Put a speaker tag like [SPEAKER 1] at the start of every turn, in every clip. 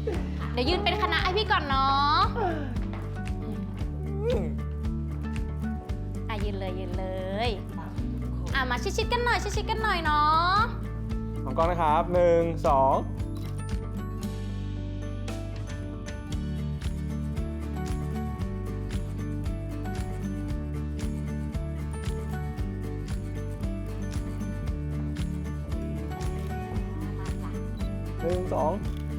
[SPEAKER 1] เดี๋ยวยืนเป็นคณะให้พี่ก่อนเนาะยืนเลยยืนเลยมาชิดๆกันหน่อยชิดๆกันหน่อยเนาะ
[SPEAKER 2] มองกล้องนะครับ1 21 2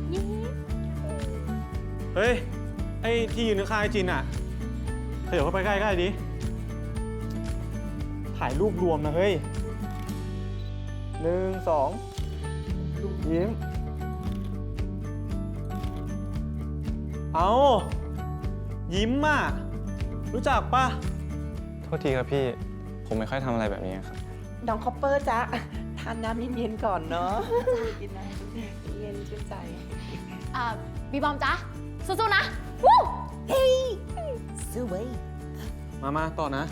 [SPEAKER 2] เฮ้ย ไอ้ที่ยืนข้างๆไอ้จินอ่ะขยับเข้าไปใกล้ๆดิถ่ายรูปรวมนะเฮ้ย1 2ยิ้มเอายิ้มอ่ะรู้จักปะ
[SPEAKER 3] โทษทีครับพี่ ผมไม่ค่อยทำอะไรแบบนี้ครับ
[SPEAKER 4] น้องคอปเปอร์จ๊ะทานน้ำเย็นๆก่อนเนาะกินน้ำเย็นชื่นใจ
[SPEAKER 1] บีบอมจ๊ะสู้ๆนะวู้เฮ้ย
[SPEAKER 4] สู้เว้ย
[SPEAKER 2] มาต่อนะ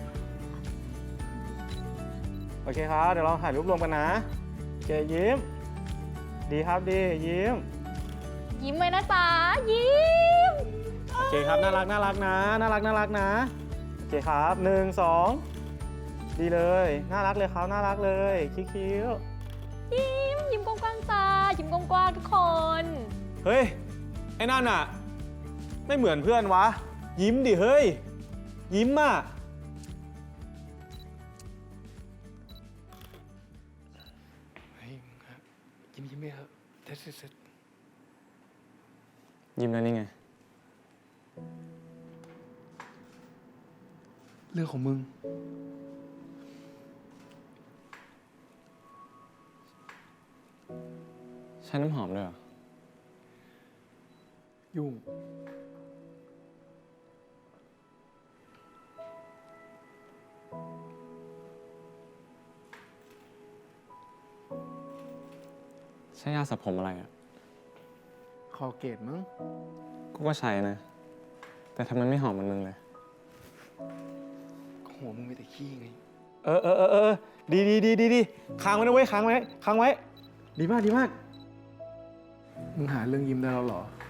[SPEAKER 2] โอเคครับ เดี๋ยวเราถ่ายรูปรวมกันนะโอเคยิ้ม ดีครับดียิ้ม
[SPEAKER 1] ยิ้มไว้นะจ๊ะยิ้ม
[SPEAKER 2] โอเคครับน่ารักนะน่ารักนะโอเคครับ1 2ดีเลยน่ารักเลยครับน่ารักเลยคิ้ว
[SPEAKER 1] ยิ้มกว้างๆจ้ายิ้มกว้างๆทุกคน
[SPEAKER 2] เฮ้ยไอ้นั่นอ่ะไม่เหมือนเพื่อนวะยิ้มดิเฮ้ยยิ้มอ่ะ
[SPEAKER 5] เฮ้ยครับยิ้มไหมครับเสร็จ
[SPEAKER 3] ยิ้มแล้วนี่ไง
[SPEAKER 5] เรื่องของมึง
[SPEAKER 3] ใช้น้ำหอมด้วยเหรอ
[SPEAKER 5] ยุ่ง
[SPEAKER 3] ใช้ยาสระผมอะไรอ่ะ
[SPEAKER 5] คอเกตมั้ง
[SPEAKER 3] กูก็ใช้นะ แต่ทำไมไม่หอมเหมือนมึงเลย
[SPEAKER 5] หัวมึงมีแต่ขี้ไง
[SPEAKER 2] ดีค้างไว้นะเว้ยค้างไว้ดีมาก
[SPEAKER 5] มึงหาเรื่องยิ้มได้แล้วเหรอ